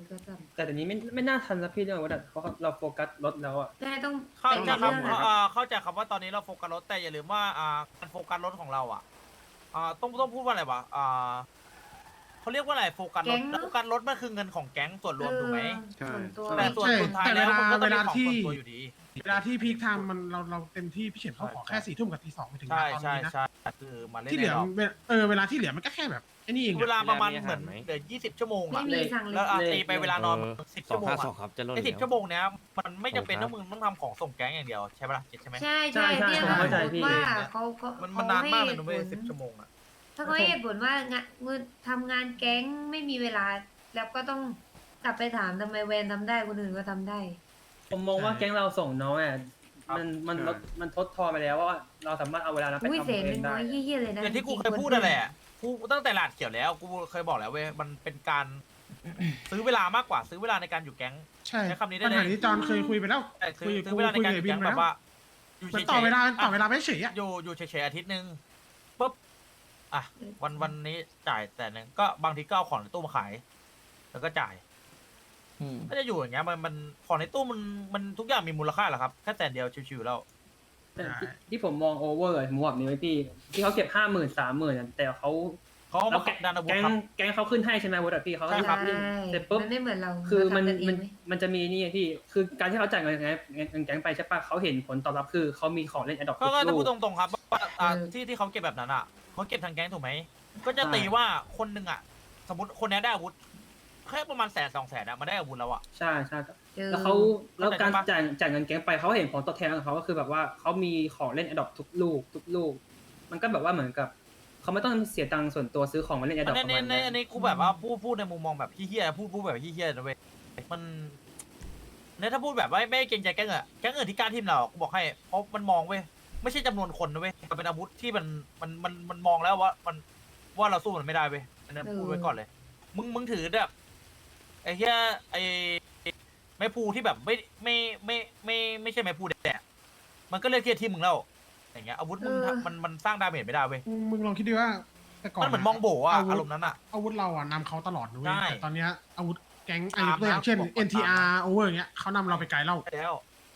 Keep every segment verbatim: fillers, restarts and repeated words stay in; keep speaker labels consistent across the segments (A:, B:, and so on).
A: ก็ท
B: แต่เดี๋ยวนี้ไม่ไม่น่าทันแล้วพี่เรื่องว่าเขาเราโฟกัสรถแล้วอ่ะ
A: ำได้ต้อง
C: เข้า
A: เป็น
C: ใจครับ
A: เรื่องอะ
C: อ่าเข้าใจครับว่าตอนนี้เราโฟกัสรถแต่อย่าลืมว่าอ่าการโฟกัสรถของเราอ่ะอ่าต้องต้องพูดว่าอะไรวะอ่าเขาเรียกว่าอะไรโฟกัสรถโฟกัสรถมันคือเงินของแก๊งส่วนรวมถูกไหม
A: เออส่วนตัว
C: แต่ส่วนสุดท้ายแล้วมันก็ต้องเป็นของส่วนตัวอยู่ดี
D: เวลาที่พีคไทม์มันเราเราเต็มที่พี่เฉินเขาขอแค่สี่ทุ่มกับตีสองไปถึง
C: ใช่
D: ตอน
C: ใช่
D: นี้นะ
C: ใช่คือมาเล่น
D: ที่เหลือ
C: ในรอบ
D: เวลาเออเวลาที่เหลือมันก็แค่แบบไอ้นี่เอง
C: เว
D: อะ
C: ลาประมาณเหมือนเหลือยี่สิบชั่วโมง
A: ไม่
C: อะ
A: มีสั่งเลย
C: แล้วอ่ะตีไปเวลานอนสิบ
E: สอ
C: ชั่
E: ง
C: วโมง
E: ห้า
C: อะ
E: สองครับจะลด
C: ไอ้สิบ
E: แล้ว
C: ชั่วโมงเนี้ยมันไม่จำเป็นต้องมึงต้องทำของส่งแก๊งอย่างเดียวใช่ปะล่ะใช่ไหม
A: ใช่ใช่
B: ใช่
A: เนี่ย
B: ผมเข้าใจพี่
A: ว่าเขาเขา
C: มัน
A: เขา
C: มันนานมากเลย
A: ให้
C: นะเว้ย
A: หตุผ
C: สิบชั่วโมงอะ
A: ถ้าเขาให้เหตุผลว่างานมือทำงานแก๊งไม่มีเวลา แล้วก็ต้องกลับไปถามทำไมแวนทำได้คนอื่นก็ทำได้
B: ผมมองว่าแก๊งเราส่งน้อยอ่ะมันมันลดมันทดทอนไปแล้วว่าเราสามารถเอาเวลานั้นไป
A: อุ้ย
B: ทำ
A: เศษ
B: เอ
A: หนึ่
B: ง
A: ง
B: ได้
A: น้อยเยี่ยๆเลยนะ
C: อย่างที่กู
A: จริงๆ
C: เคยพูดนั่นแหละกูตั้งแต่หลาดเขียวแล้วกูเคยบอกแล้วเว้ยมันเป็นการ ซื้อเวลามากกว่าซื้อเวลาในการอยู่แก๊ง
D: ใช่
C: ใช้คำนี้ได้
D: ปัญ
C: เลย
D: หานี้จอนเคยคุยไปแล้ว
C: แต่ซื้
D: คุ
C: อย
D: กับ
C: ซื้อ
D: กู
C: เวลาใน
D: คุย
C: การ
D: กับ
C: อยู่
D: บิน
C: แก๊ง
D: ไป
C: แบ
D: แล้ว
C: บว่าอยู่
D: เหมือน
C: เฉยๆ
D: ต่อเวลาต่อ
C: อ่ะ
D: เวลาไม่เฉยอ่ะ
C: อยู่อยู่เฉยๆอาทิตย์หนึ่งปุ๊บอ่ะวันวันนี้จ่ายแต่หนึ่งก็บางทีก็เอาของในตู้มาขาย แล้วก็จ่าย
E: อืม
C: ก็จะอยู่อย่างเงี้ยมันมันของในตู้มันมันทุกอย่างมีมูลค่าเหรอครับแค่แต่เดียวชิวๆแล้ว
B: แต่ที่ที่ผมมองโอเวอร์ผมบอกนี้ไว้พี่ที่เขาเก็บห้าหมื่นสามหมื่นแต่เขา
C: เขาเอา
B: แล้
C: มาว
B: แก๊ง
C: ดันอาวุธ
B: แก๊ง
C: ครับ
B: แก๊งเขาขึ้นให้ใช่ไหมวอดพี่เขาก็
C: ใช่ครับ
B: เล่นเสร็จปุ๊บ
A: มันไม่เหมือนเรา
B: คือมัน
A: เราทำกัเง
B: มัน
A: ไห
B: มันจะมีนี่ไงพี่คือการที่เขาจ่ายเงินเงินแก๊งไปใช่ปะเขาเห็นผลตอบรับคือเขามีของเล่นแอดดอก
C: ก็ก็
B: ทุ
C: ถ้าก
B: ลู
C: พูด
B: ก
C: ตรงๆครับว่าอ่า
A: เออ
C: ที่ที่เขาเก็บแบบนั้นอ่ะเขาเก็บทางแก๊งถูกไหมก็จะ
B: ใช่
C: ตีว่าคนหนึ่งอ่ะ สมมติคนนี้ได้อาวุธแค่ประมาณแสนสองแสนอะมาได้อาวุธแล้วอ่ะ
B: ใช่ใช่
A: เออ
B: แล้วเขาแล้วการ
C: เข้าใจปะ
B: จ่ายจ่ายเงินแก๊งไปเขาเห็นผลตอบแทนของเขาก็คือแบบว่าเขามีของเล่นแอดดอกทุกลูกทุกลูก มันก็แบบว่าเหมือนกับเขาไม่ต้องเสียตังค์ส่วนตัวซื้อของมาเล่นแอดด
C: อั
B: อน ก
C: นี้
B: ประมาณ
C: ใน
B: นี้
C: อันนี้กูแบบว่าพูดพูดในมุมมองแบบเฮี้ยๆพูดพูดแบบเฮี้ยๆนะเว้ยมันเนี่ยถ้าพูดแบบว่าไม่เกรงใจแก๊งอะแก๊งอื่นที่กล้าทีมเรากูบอกให้เพราะมันมองเว้ยไม่ใช่จำนวนคนนะเว้ยมันเป็นอาวุธที่มันมันมันมันมองแล้วว่ามันว่าเราสู้มันไม่ได้เว้ยอันนั้นพูดไว้ก่อนเลย มึงมึงถือแบบไอ้เหี้ยไอ้ไม้พูที่แบบไม่ไม่ไม่ไม่ไม่ใช่ไม้พูแดดมันก็เลือกที่จะทีมมึงแล้วอย่างเงี้ยอาวุธมึง
A: เออ
C: มันมันสร้างดาเมจไม่ได้เว้ย
D: มึงมึงลองคิดดูว่าแต่ก่อน
C: มันเหมือนมองโบอะ
D: อาวุธ
C: อารมณ์นั้นอะ
D: อาวุธเราอ่ะนำเขาตลอดนะเว้ย
C: ใช่
D: แต่ตอนเนี้ยอาวุธแก๊ง
C: ตาม
D: อายุตัวอย่างเช่น
C: นะบอกว่า
D: เอ็น ที อาร์ Over อย่างเงี้ยเขานำเราไปไกลแล้ว
C: แล้ว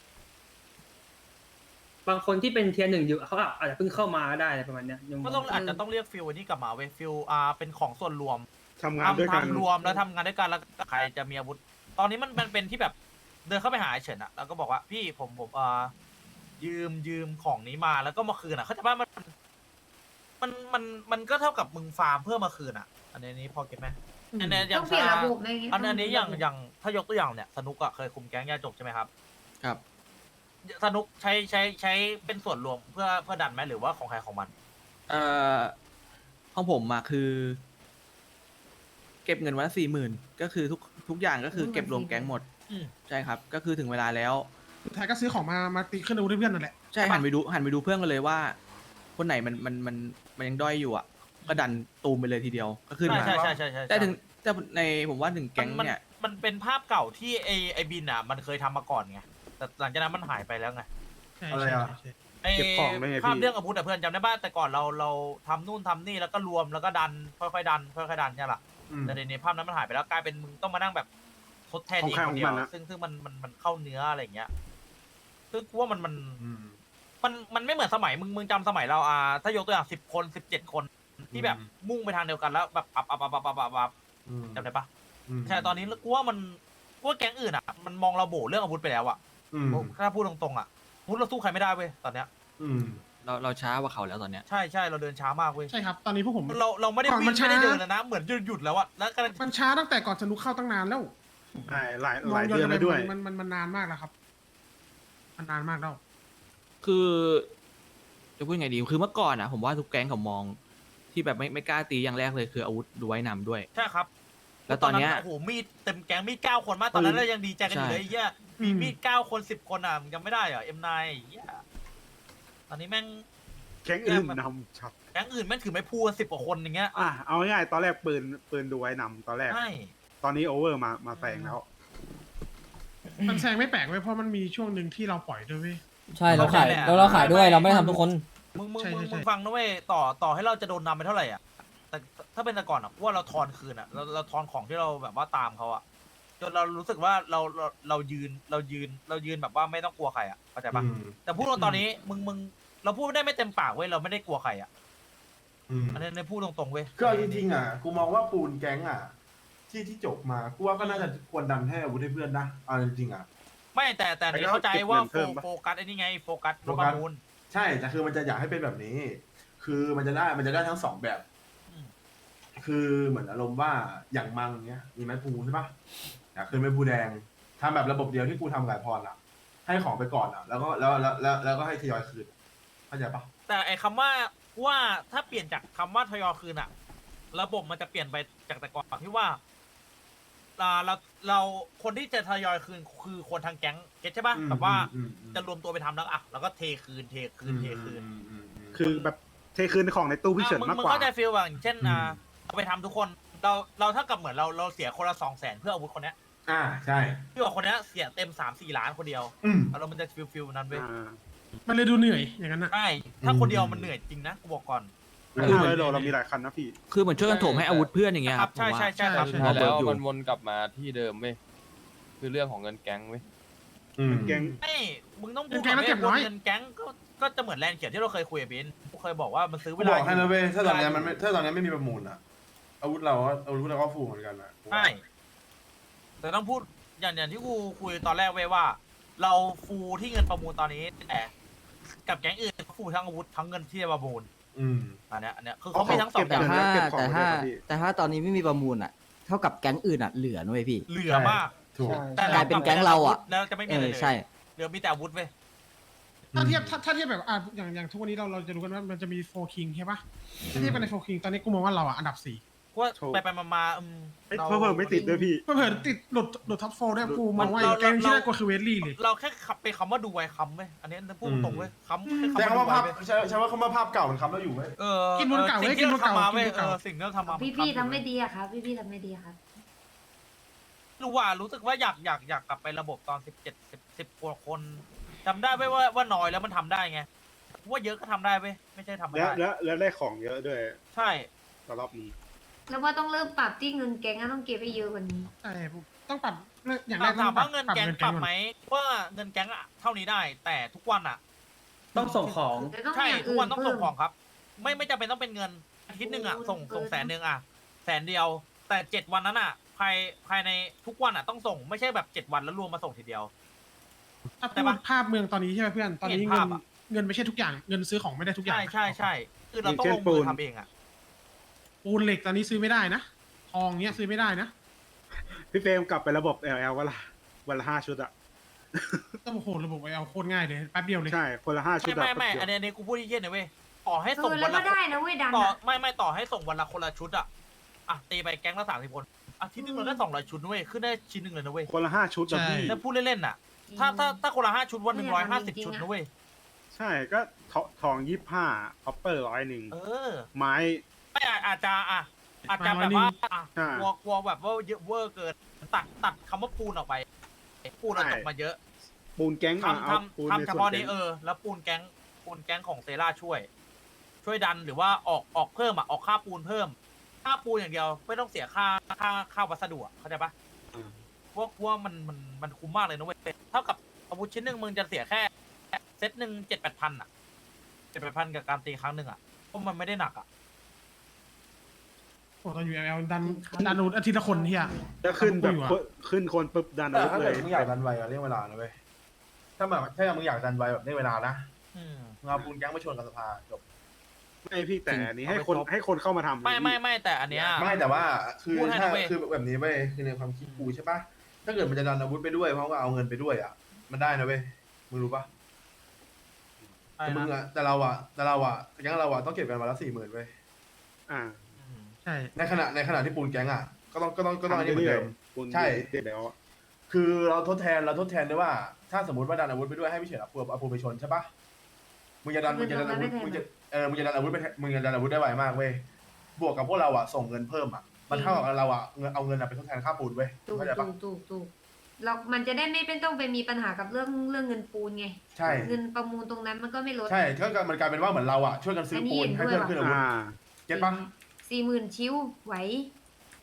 B: บางคนที่เป็นเทียร์หนึ่งอยู่เขาอาจจะเพิ่งเข้ามาก็ได้อะไรประมาณเนี้ยยัง
C: ก็ต้องอาจจะต้องเรียกฟิลอันนี้กลับมาเว้ยฟิลอ่าเป็นของส่วนรวม
F: ทำงานด้วยกัน
C: ทำรวมแล้วทำงานด้วยกันแล้วใครจะมีอาวุธ ตอนนี้มันมันเป็นที่แบบเดินเข้าไปหาไอ้เฉินอะแล้วก็บอกว่าพี่ผมผมอ่ายืมยืมของนี้มาแล้วก็มาคืนอะเขาใจะว่ามันมันมันมันก็เท่ากับมึงฟาร์มเพื่อมาคืนอะอันนี้นี้พอเก็ตไหมอันนี้อย่า
A: ต้อง งเปลี่ยน
C: ชา
A: ระบบอะไรอย่างเงี้ย
C: อันอันนี้อย่างอย่างถ้ายกตัวอย่างเนี่ยสนุกอะเคยคุมแก๊งยาจกใช่ไหมครับ
E: ครับ
C: สนุกใช้ใช้ใช้เป็นส่วนรวมเพื่อเพื่อดันไหมหรือว่าของใครของมัน
E: เอ่อของผมอะคือ เก็บเงินวันละสี่หมื่นก็คือทุกทุกอย่างก็คือเก็บรวมแก๊งหมด
C: อืม
E: ใช่ครับ ก็คือถึงเวลาแล้ว
D: สุดท้ายก็ซื้อของมามาตีขึ้นอาวุธให้เพื่อนนั่นแหละ
E: ใช่หันไปดูหันไปดูเพื่อนกันเลยว่า คนไหนมันมันมันมันยังด้อยอยู่อ่ะ ก็ดันตูมไปเลยทีเดียวก็ขึ้น
C: ใช่
E: มา
C: ใช่ใช่ใช่ใช่
E: แต่ถึงแต่ในผมว่าถึงแก๊ง
C: มัน
E: เนี่ย
C: มันเป็นภาพเก่าที่ไอไอบินอ่ะมันเคยทำมาก่อนไงแต่หลังจากนั้นมันหายไปแล้วไง
D: ใช่
F: อะไร
D: ใช่
F: อะ
D: ใช่
C: ไอ
F: เก็บของได้ไงพี่
C: ภาพเรื่องอาวุธแต่เพื่อนจำได้ป่ะแต่ก่อนเราเราทำนู่นทำนี่แล้วก็รวมแล้วก็ดันค่อยๆดันค่อยๆดันใช่หรอ
F: อืม
C: แต่ในภาพนั้นมันหายไปแล้วกลายเป็นมึงต้องมานั่งแบบทดแทน
F: ของ
C: เอง
F: ใคร
C: คนเดียว
F: ของมันอะ
C: ซึ่งซึ่งมันมันมันเข้าเนื้ออะไรอย่างเงี้ยซึ่งกูว่ามันมัน
F: อืม
C: มันมันไม่เหมือนสมัยมึงมึงจำสมัยเราอ่าถ้ายกตัวอย่างสิบคนสิบเจ็ดคนที่แบบ
F: อืม
C: มุ่งไปทางเดียวกันแล้วแบบปับปับปับปับปับปับปับ
F: อืม
C: จำได้ปะ
F: อืม
C: ใช่ตอนนี้กูว่ามันกูว่าแก๊งอื่นอ่ะมันมองเราโบเรื่องอาวุธไปแล้วอ่ะ
F: อืม
C: ถ้าพูดตรงๆอ่ะอาวุธเราสู้ใครไม่ได้เว้ยตอนเนี้ย
F: อืม
E: เราเราช้ากว่าเขาแล้วตอนเนี้ย
C: ใช่ใช่เราเดินช้ามากเว้ย
D: ใช่ครับ ตอนนี้พวกผม
C: เราเราไม่ได้
D: ก่อน
C: วิ่
D: มัน
C: ง
D: ช้า
C: ไม่ได้เดินแล้วนะเหมือนหยุดหยุดแล้วอะแล้วก็
D: มันช้าตั้งแต่ก่อนสนุกเข้าตั้งนานแล้ว
F: ใช่หลาย
D: ม
F: ห
D: อ
F: ลาง ย
D: ย้อน
F: เดือน
D: ไป
F: แล้วด้วย
D: มันมันมันนานมากแล้วครับ มันนานมากแล้ว
E: คือจะพูดไงดีคือเมื่อก่อนอ่ะ ผมว่าทุกแก๊งเขามอง ที่แบบไม่ไม่กล้าตีอย่างแรกเลยคืออาวุธดูไว้นำด้วย
C: ใช่ครับ
E: แล้วตอนเนี้ย
C: โอ้โหมีดเต็มแก๊งมีดเก้าคนมากตอนนั้นเรายังดีใจกันอยู่เลยไอ้เหี้ยมีมีดเก้าคนสิบคนอ่ะมึงจำไม่ได้เหรอเอ็มไนเหี้ยตอนนี้แม่ง
F: แก๊งอื่นนำชับ
C: แก๊งอื่นแม่งถือไม้พูสิบกว่าคนอย่างเงี้ย
F: อ่ะเอาง่ายๆตอนแรกปืนปืนดูไว้นำตอนแรก
C: ใช่
F: ตอนนี้โอเวอร์มามาแซงแล้ว
D: มันแซงไม่แปลกเว้ยเพราะมันมีช่วงหนึ่งที่เราปล่อยด้วยเว้ย
G: ใช่เราขายแล้วเราขายด้วยเราไม่ได้ทำทุกคน
C: มึงมึง
D: ใช่
C: มึง
D: ใช่ใช่
C: มึงฟังนะเว้ยต่อต่อให้เราจะโดนนำไปเท่าไหร่อ่ะแต่ถ้าเป็นแต่ก่อนอ่ะว่าเราทอนคืนอ่ะเราเราทอนของที่เราแบบว่าตามเขาอ่ะจนเรารู้สึกว่าเราเราเรายืนเรายืนเรายืนแบบว่าไม่ต้องกลัวใครอ่ะเข้าใจปะ
H: อืม
C: แต่พูดตอนนี้มึงมึงเราพูดได้ไม่เต็มปากเว้ยเราไม่ได้กลัวใครอ่ะ
H: อืม
C: อันนี้ในพูดตรงๆเว้ย
H: ก็เอาจริงๆอ่ะ กูมองว่าปูนแก๊งอ่ะ ที่ที่จบมา กูว่าก็น่าจะควรดันให้อาวุธให้เพื่อนนะเอาจริงๆอ่ะ
C: ไม่แต่แต่อันนี้เข้าใจว่าโฟโฟกัสไอ้นี่ไงโฟกัสรถประมูล
H: ใช่แต่คือมันจะอยากให้เป็นแบบนี้ คือมันจะได้มันจะได้ทั้งสองแบบ
C: อืม
H: คือเหมือนอารมณ์ว่าอย่างมังเนี้ยมีไม้พูใช่ปะอยากขึ้นไม้พูแดงทำแบบระบบเดียวที่กูทำกับไอ้พรอ่ะ ให้ของไปก่อนอ่ะ แล้วก็แล้วแล้วแล้วแล้วก็ให้ทยอยคืนเข้าใจปะ
C: แต่ไอ้คำว่าว่าถ้าเปลี่ยนจากคำว่าทยอยคืนอะระบบมันจะเปลี่ยนไปจากแต่ก่อนที่ว่าอ่าเราเราคนที่จะทยอยคืนคือคนทางแก๊งเก็ตใช่ปะ
H: อืม
C: แบบว่า
H: อืมอืม
C: จะรวมตัวไปทำแล้วอ่ะแล้วก็เทคืนเทคืนเทคืน
H: อืมอืมอืม
F: คือแบบเทคืนของในตู้พี่เฉิน
C: อ่ะ
F: มาก
C: มึง
F: กว่า
C: เข้าใจฟีลแบบอย่างเช่นอ่า
H: อืม
C: เอาไปทำทุกคนเราเราเท่ากับเหมือนเราเราเสียคนละสองแสนเพื่ออาวุธคนเนี้ย
H: อ่าใช่
C: พี่ว่าคนเนี้ยเสียเต็มสามสี่ล้านคนเดียว
H: อืม
C: แล้วมันจะฟีลฟีลนั้นเว้ย
F: อ่า
D: มันเลยดูเหนื่อยอย่างนั้นอ่ะ
C: ใช่ถ้าคนเดียว
H: อืม
C: มันเหนื่อยจริงนะกูบอกก่อน
F: คือเหมือนเราเรามีหลายคันนะพี่
E: คือเหมือนช่วยกันโถมให้อาวุธเพื่อนอย่างเงี้ย
C: ค
E: ค
C: รั
E: รั
C: บบ ใช่
E: ผมว่า
C: ใช่ใช่ครับ
D: ใช่
E: พอ
I: แล้
E: เบิร์
I: ว
E: กอยู่
I: มันวนกลับมาที่เดิมเว้ยคือเรื่องของเงินแก๊งเว้ย
H: อืม
F: แก๊ง
C: ไม่มึงต้องพูด
D: เงินแก๊งต้องเก็บน้อย
C: เงินแก๊งก็ก็จะเหมือนแลนด์เขียวที่เราเคยคุยกับบินกูเคยบอกว่ามันซื้อ
H: กู
C: เว
H: บ
C: ลา
H: อกให้นะเว้ยถ้าตอนเนี้ย
C: เวล
H: มันไม่ถ้าตอนเนี้ยไม่มีประมูลอ่ะ อาวุธเราก็อาวุธเราก็ฟูเหมือนกันอ่ะ
C: ใช่แต่ต้องพูดอย่างอย่างที่กูคุยตอนแรกเว้ยว่า เราฟูที่เงินประมูลตอนนี้แต่กับแก๊งอื่นเขาฟูทั้งอาวุธทั้งเงินที่จะประมูล
H: อืม
C: อันเนี้ยอันเนี้ยคือเขามีทั้งสองอ
F: เก็
C: ย่า
F: บ
C: ง
F: เงิน
J: ถ้า
F: เก็บของ
J: แต่
F: ไว้
J: ถ้า
F: ด้วยครับพี่
J: แต่ถ้าตอนนี้ไม่มีประมูลอ่ะ เท่ากับแก๊งอื่นอ่ะเหลือนะเว้ยพี่
C: เหลือมาก
H: ถูก
C: แต่
J: กลายเป็นแก๊งเราอะ
C: แล้วจะไม่มี
J: เอ
C: อะไร
J: อ
C: เลย
J: ใช่
C: เหลือมีแต่อาวุธเว้ย
D: ถ้าเทียบถ้าถ้าเทียบแบบอ่ะอย่างอย่างทุกวันนี้เราเราจะรู้กันว่ามันจะมีโฟคิงใช่ปะถ้าเทียบกันในโฟคิงตอนนี้กูมองว่าเราอ่ะอันดับสี่
C: เพราะว่า
F: โชว์
C: ไปไปมามาอืม
F: เอ้ย
C: รา
F: เพิ่มไม่ติดด้วยพี่
D: เผื่อๆติดหลุดหลุดท็อปโฟด้วยกูมองว่า
C: เรา
D: แกงที่
C: เรา
D: น่ากลัวคือเวสลี่เลย
C: เราแค่ขับไปคำว่าดูไวคำเว้ยอันนี้พูดตรงๆเว้ยคำแค่
H: ใช้
C: คำว่า
H: คำว่า
C: ดูไว
H: ภาพ
C: เว้ย
H: ใช้ใช้ว่าคำว่าภาพเก่ามันคำแล้วอยู่ไหม
C: เออ
D: กินบนเก่า
C: สิ่ง
D: เว้ย
C: ที่
D: กินบ
C: เรา
D: นเก่า
C: ทำมา
D: กิน
C: เว้ย
D: บนเก่า
C: เออสิ่งที่เราทำมา
A: พี่
C: น
A: พี่
C: อยู่
A: ทำไม่
C: เว้ย
A: ดีอะครับ พี่พี่ทำไม่ดีอะครับ
C: รู้ว่ารู้สึกว่าอยากอยากอยากกลับไประบบตอนสิบเจ็ดสิบสิบกว่าคนจำได้ไหมว่าว่าน้อยแล้วมันทำได้ไงว่าเยอะก็ทำได้เว้ยไม่ใช่ทำไม่
F: แล้ว
C: ได้
F: แล้วแล้วได้ของเยอะด้วย
C: ใช่
F: ตอนรอบนี้
A: แล้วว่าต้องเริ่มปรับที่เงินแก๊งอะต้องเก็บให้เยอะกว่านี้
D: ใช่ผมต้องปรับอย่างแร
C: ถาก ม
D: ต้
C: ถา
D: อ
C: ม
D: งปรั
C: ว่า
D: บ
C: เงิน
D: ปรับ
C: แก๊ง
D: เงิน
C: ป
D: แก๊
C: รั
D: ง
C: บ
D: ก่อน
C: ไหมว่าเงินแก๊งอะเท่านี้ได้ แต่ทุกวันอะ
B: ต้องส่งของ
A: แต่ต้อง
C: ใช่
A: มีอย่าง
C: ทุก
A: อื่
C: วัน
A: น
C: ต้อง
A: เพิ่
C: ส่ง
A: ม
C: ของครับ ไม่ไม่จำเป็นต้องเป็นเงินอาทิตย์หนึ่งอะ
A: โอ้โห
C: ส่งส่ง
A: เกิน
C: แสนหนึ่งอะแสนเดียว แต่เจ็ดวันนั้นอะภายภายในทุกวันอะต้องส่งไม่ใช่แบบเจ็ดวันแล้วรวมมาส่งทีเดียว
D: ถ้า
C: แต่
D: พู
C: ว่า
D: ดภาพเมืองตอนนี้ใช่ไหมเพื่อนตอนนี้
C: เห็น
D: เงิ
C: ภาน พอะ
D: เงินไม่ใช่ทุกอย่างเงินซื้อของไม่ได้ทุกอย่า
C: ใช่
D: ง
C: ใช่ใช่คือเราต้องลงมือทำเองอะ
D: ปูนเหล็กตอนนี้ซื้อไม่ได้นะทองเนี้ยซื้อไม่ได้นะ
F: พี่เฟรมกลับไประบบ แอล แอล วันละวันละห้าชุดอะ
D: ต้องโอ้โหระบบไอเอาโคตรง่ายเลยแป๊บเดียวเลย
F: ใช่คนละห้าชุด
C: ไม่
F: อะ
C: ไม่ไม่
F: แป๊บ
C: อัน
F: เดียว
C: นี้อันนี้กูพูดที่เยี่ยนนะเว้ยต่อให้
A: เอ
C: ส่ง
A: อ
C: วั
A: แล้
C: น
A: ว
C: ละ
A: ก็ได้นะเว้ยดัน
C: ต่อ
A: อะ
C: ไม่ไม่ต่อให้ส่งวันละคนละชุดอะอ่ะตีไปแก๊งละสามสิบคนอาทิตย์หนึงเราได้สองร้อยชุดนะเว้ยขึ้นได้ชิ้นหนึ่งเลยนะเว้ย
F: คนละห้าชุดอะพี่
C: แล้วพูดเล่นๆน่ะ ถ้าถ้าถ้าคนละห้าชุดวันหนึ่งร้อยห้าสิบชุดนะเว้ย
F: ใช่ก็ทอทองยี่ห้าคอปเปอร์ร้อยหนึ่ง
C: เออ
F: ไม้
C: ไม่อาจอาจจะอ่ะอาจจะ
D: มา
C: แบบว่า
D: วันหนึ่ง
C: อ่ะ
F: อ่าก
C: ลัวกลัวแบบว่าเยอะเวอร์เกินตัดตัดคำว่าปูนออกไปปูนเราตกมาเยอะ
F: ปูนแก๊งอะ
C: ทำ
F: เอาปูน
C: ทำ
F: ใน
C: ทำเฉ
F: ส่วน
C: พาะ
F: แก๊
C: นี้
F: ง
C: เออแล้วปูนแก๊งปูนแก๊งของเซราช่วย ช่วยดันหรือว่าออกออกเพิ่มอ่ะออกค่าปูนเพิ่ม ค่าปูนอย่างเดียวไม่ต้องเสียค่าค่าค่าวัสดุอะเข้าใจปะ
F: อืม
C: พวกพวกมันมันมันคุ้มมากเลยนะเว้ยเท่ากับอาวุธชิ้นหนึ่งมึงจะเสียแค่เซตหนึ่งเจ็ดแปดพันอ่ะเจ็ดแปดพันกับการตีครั้งหนึ่งอ่ะเพราะมันไม่ได้หนักอ่ะ
D: โอ้ตอนอยู่ แอล แอล ดันดันอาอาทิตย์ละคนเฮีย
F: แล้วขึ้นแบบ
D: อยู่อะ
F: คนขึ้นคนปุ๊บดัน
H: แต่
F: อาวุธ
H: ถ้า
F: เล
H: เกิด
F: ย
H: มึงอยากดันไวอะเรื่องเวลานะเว้ย ถ้าแบบถ้ามึงอยากดันไวแบบเรื่องเวลานะ
C: อืม
H: มึงเอาปูนแก๊งมาชนกับสภาจบ
F: ไม่พี่แต่อันนี้ให้
C: เอาไป
F: คน
C: ครบ
F: ให้คนเข้ามาทำ
C: ไม่ไม่ไม่แต่อันเนี้ย
H: ไม่แต่ว่าคือ
C: พูดให้
H: ถ้า
C: นะเว้ย
H: คือแบบนี้เว้ยคือในความคิดกูใช่ปะถ้าเกิดมันจะดันอาวุธไปด้วยเพราะว่าเอาเงินไปด้วยอ่ะ มันได้นะเว้ยมึงรู้ปะ
C: อะไร
H: แต่มึง
C: นะ
H: อะแต่เราอะแต่เราอะแก๊งเราอะต้องเก็บกันวันละสี่หมื่นเว้ย
F: อ่า
C: อืม
D: ใช่
H: ในขณะในขณะที่ปูนแก๊งอะก็ต้องก็ต้องก็ต้องอันนี้เหมือนเดิม
F: ปูน
H: ใช่
F: เดี๋ยว
H: คือเราทดแทนเราทดแทนด้วยว่า ถ้าสมมติว่าดันอาวุธไปด้วยให้พี่เฉินเอาปูเอาปูไปชนใช่ปะมึงจะดันมึงจะดันอาวุธมึงจะเออมึงจะดันอาวุธไปมึงจะดันอาวุธได้ไวมากเว้ยบวกกับพวกเราอะส่งเงินเพิ่มอะมันเท่ากับเราอะเงินเอาเงินอะไปทดแทนค่าปูนเว้ย
A: ถูก
H: เข้าใจ
A: ถู
H: ปะ
A: กถูกถูกเรามันจะได้ไม่เป็นต้องไปมีปัญหากับเรื่องเรื่องเงินปูนไง
H: ใช่
A: เงินประมูลตรงนั้นมันก็ไม่ลด
H: ใช่ก็มันกลายเป็นว่าเหมือนเราอะช่วยกันซื้อปูนให้เพื่อนขึ้นอาวุธ
F: อ่า
H: เก็ตปะ
A: สี่หมื่นชิ้วไหว